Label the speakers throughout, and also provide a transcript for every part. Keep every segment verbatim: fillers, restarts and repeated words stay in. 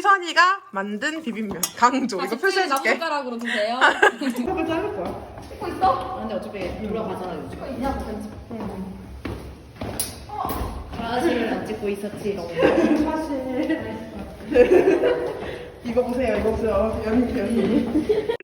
Speaker 1: 희선이가 만든 비빔면 강조. 이거 표시해줄게.
Speaker 2: 숟가락으로 드세요.
Speaker 1: 이거 자를 거야.
Speaker 2: 찍고 있어? 근데 어차피 돌아가잖아 요즘. 찍고 있냐고 편집. 사실을 안 찍고 있었지.
Speaker 1: 사실. 이거 보세요. 이거 보세요. 연기 연기.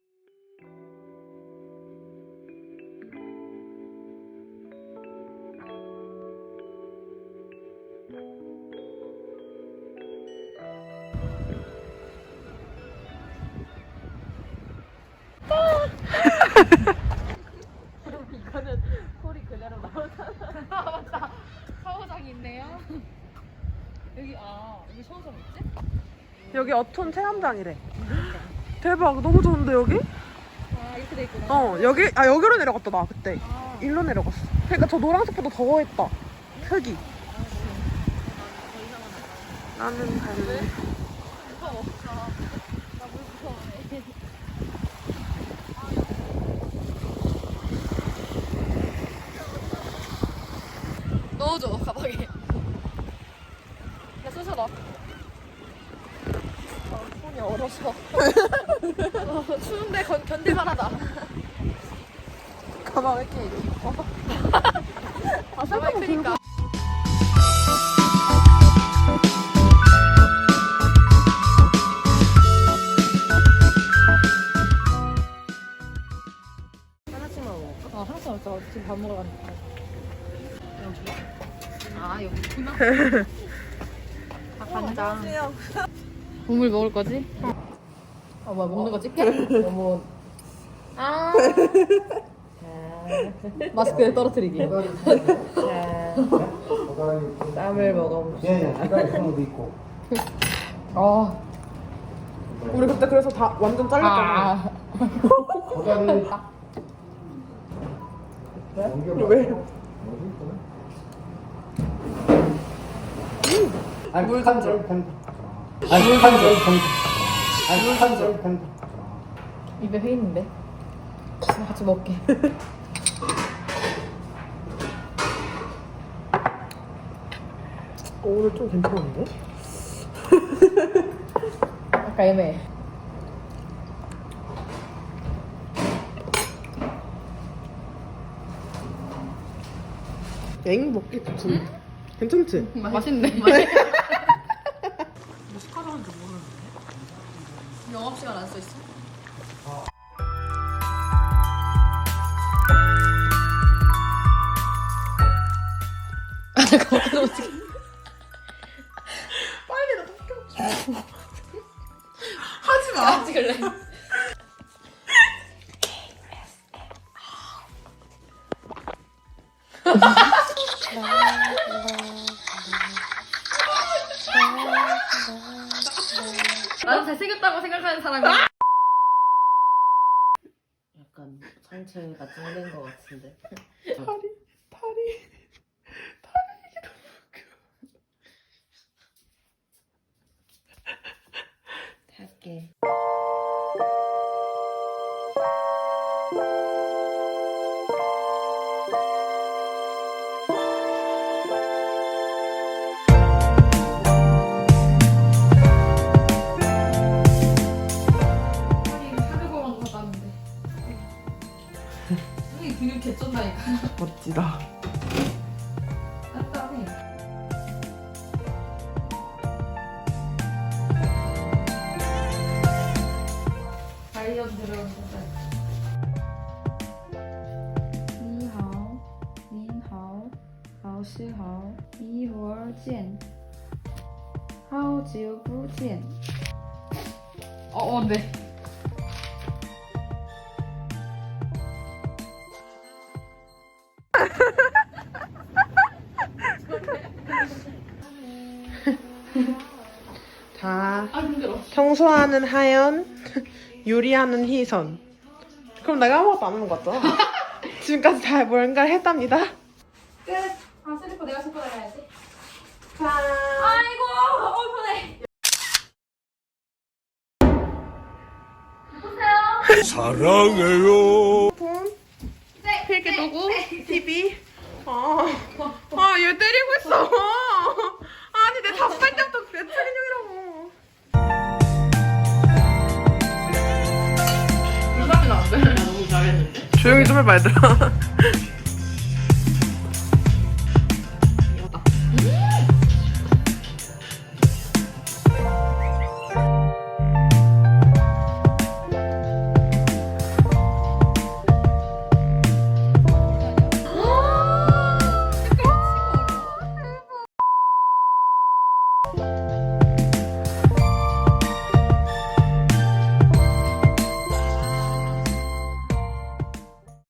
Speaker 2: 이거는 소리 그대로 나오잖아. 맞다. 샤워장이 있네요. 여기 아 여기 샤워장 있지?
Speaker 1: 여기 어촌 체험장이래. 대박. 너무 좋은데 여기?
Speaker 2: 아 이렇게 돼 있구나.
Speaker 1: 어 여기 아 여기로 내려갔다 나 그때.
Speaker 2: 아.
Speaker 1: 일로 내려갔어. 그러니까 저 노란색보다 더했다. 흙이. 나는 갈래.
Speaker 2: 무서워. 나물 무서워해. 넣어줘 가방에. 야 쑤셔 넣어. 어, 손이 얼어서. 어, 추운데 견, 견딜만하다.
Speaker 1: 가방 왜 이렇게 깊어?
Speaker 2: 아 셀카봉 크니까.
Speaker 1: 하나씩만 먹어.
Speaker 2: 아 하나씩 먹자. 지금 밥 먹으러 가니까. 아 여기 있구나. 아 간장. 국물 먹을 거지? 아 뭐야 먹는 거 찍게? 너무. 아. 마스크에 떨어뜨리기.
Speaker 1: 쌈을 먹어봅시다.
Speaker 3: 예, 예, 도 있고.
Speaker 2: 아.
Speaker 1: 우리 그때 그래서 다 완전 잘렸잖아.
Speaker 2: 아.
Speaker 3: 고다리.
Speaker 1: 왜?
Speaker 3: 아니,
Speaker 1: 물
Speaker 3: 한
Speaker 1: 던져.
Speaker 3: 절 편. 아니, 한 절 편. 아니, 한 절 편.
Speaker 2: 입에 회 있는데. 같이 먹게.
Speaker 1: 어, 오늘 좀 괜찮은데?
Speaker 2: 아까 애매해.
Speaker 1: 엥 먹기 좋지. 괜찮지?
Speaker 2: 맛있네.
Speaker 1: 뭐 숟가락인지 모르는데.
Speaker 2: 영업시간 안 써 있어? 거기서 어떻게?
Speaker 1: 빨리 나 좀 하지 마.
Speaker 2: 찍을래? 나는 잘생겼다고 생각하는 사람이야. 약간 상체가 찡된 것 같은데.
Speaker 1: 다리 다리
Speaker 2: 할게. 근육 개쩐다니까.
Speaker 1: 멋지다.
Speaker 2: 깐깐해. 다이어트 들어온다.
Speaker 4: 你好，您好，老师好，一会儿见。好久不见。
Speaker 2: 어, 어, 네.
Speaker 1: 자,
Speaker 2: 아, 힘들어.
Speaker 1: 청소하는 하연, 요리하는 희선. 그럼 내가 아무것도 안 하는 거 같잖아. 지금까지 잘 뭔가를 했답니다.
Speaker 2: 끝. 아, 슬리퍼 내가 신고 나가야지.
Speaker 1: 짠.
Speaker 2: 아이고, 어, 편해. 보세요.
Speaker 3: 사랑해요.
Speaker 1: 폰, 필기 도구, 티비. 아, 아, 얘 때리고 있어. 아니, 내 다섯 살 때부터 몇 살인형이라고. 조용히 좀 해봐 얘들아.